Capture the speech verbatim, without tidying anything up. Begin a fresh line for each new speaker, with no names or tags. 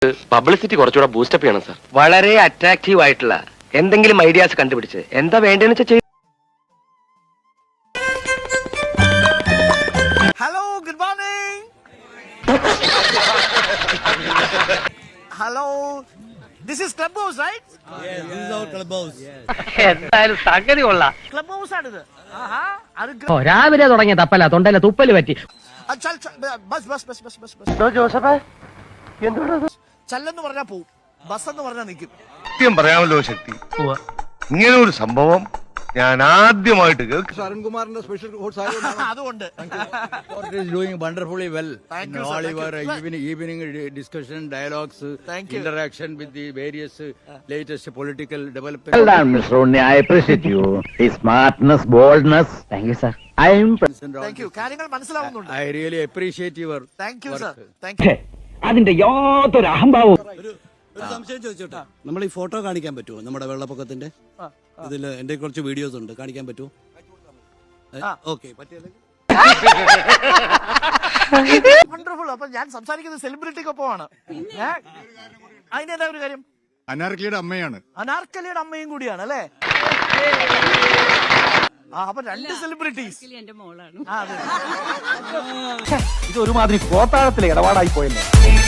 Publicity കുറച്ചുകൂടെ boost up ചെയ്യണം sir.
വളരെ അട്രാക്റ്റീവ് ആയിട്ടുള്ള എന്തെങ്കിലും ഐഡിയാസ് കണ്ടുപിടിച്ച് എന്താ വേണ്ടതെന്ന് വെച്ചാൽ ചെയ്യും.
Hello, good morning. Hello, this is club house, right?
Yes, this is our club house.
എന്തായാലും സംഗതി കൊള്ളാം.
ക്ലബ് ഹൗസ് ആണിത്. ആഹാ, അത്
ഓ, രാവിലെ തുടങ്ങിയ തപ്പല തൊണ്ടയിലെ തുപ്പല് പറ്റി.
ചൽ ചൽ, ബസ് ബസ് ബസ് ബസ് ബസ് ബസ്.
ജോസഫ് എന്തുകൊണ്ടത്?
ചല്ലെന്ന് പറഞ്ഞാ പോവും, ബസ് എന്ന് പറഞ്ഞാ നിൽക്കും.
സത്യം പറയാമല്ലോ ശക്തി, ഇങ്ങനെ ഒരു സംഭവം ഞാൻ ആദ്യമായിട്ട് കേൾക്കും.
അരുൺകുമാറിന്റെ സ്പെഷ്യൽ
അതുകൊണ്ട്
is doing wonderfully well.
Thank
in
you, sir.
all
Thank
your
you.
evening, evening discussion, dialogues,
Thank you.
interaction with the various uh, latest political developments.
Well done, Mister Rooney. I appreciate you. His smartness, boldness. Thank you, sir. I am.
and all
thank you.
this.
കാര്യങ്ങൾ മനസ്സിലാവുന്നുണ്ട്.
I really appreciate your
thank you sir,
work.
Thank you.
അതിന്റെ യാതൊരു അഹംഭാവവും.
ഒരു സംശയം ചോദിച്ചോട്ടെ, നമ്മൾ ഈ photo കാണിക്കാൻ പറ്റുമോ? നമ്മുടെ വെള്ളപ്പൊക്കത്തിന്റെ ഇതിൽ എന്റെ കുറച്ച് വീഡിയോസ് ഉണ്ട്, കാണിക്കാൻ പറ്റുമോ? ഓക്കെ, പറ്റിയല്ലേ?
വണ്ടർഫുൾ. അപ്പൊ ഞാൻ സംസാരിക്കുന്നത് സെലിബ്രിറ്റിക്കൊപ്പമാണ്. അതിനെന്താ ഒരു കാര്യം?
അനാർക്കിയുടെ അമ്മയാണ്.
അനാർക്കലിയുടെ അമ്മയും കൂടിയാണ് അല്ലേ? ആ, അപ്പൊ രണ്ട് സെലിബ്രിറ്റീസ്.
ഇത് ഒരുമാതിരി കോത്താഴത്തിലെ ഇടപാടായി പോയല്ലേ.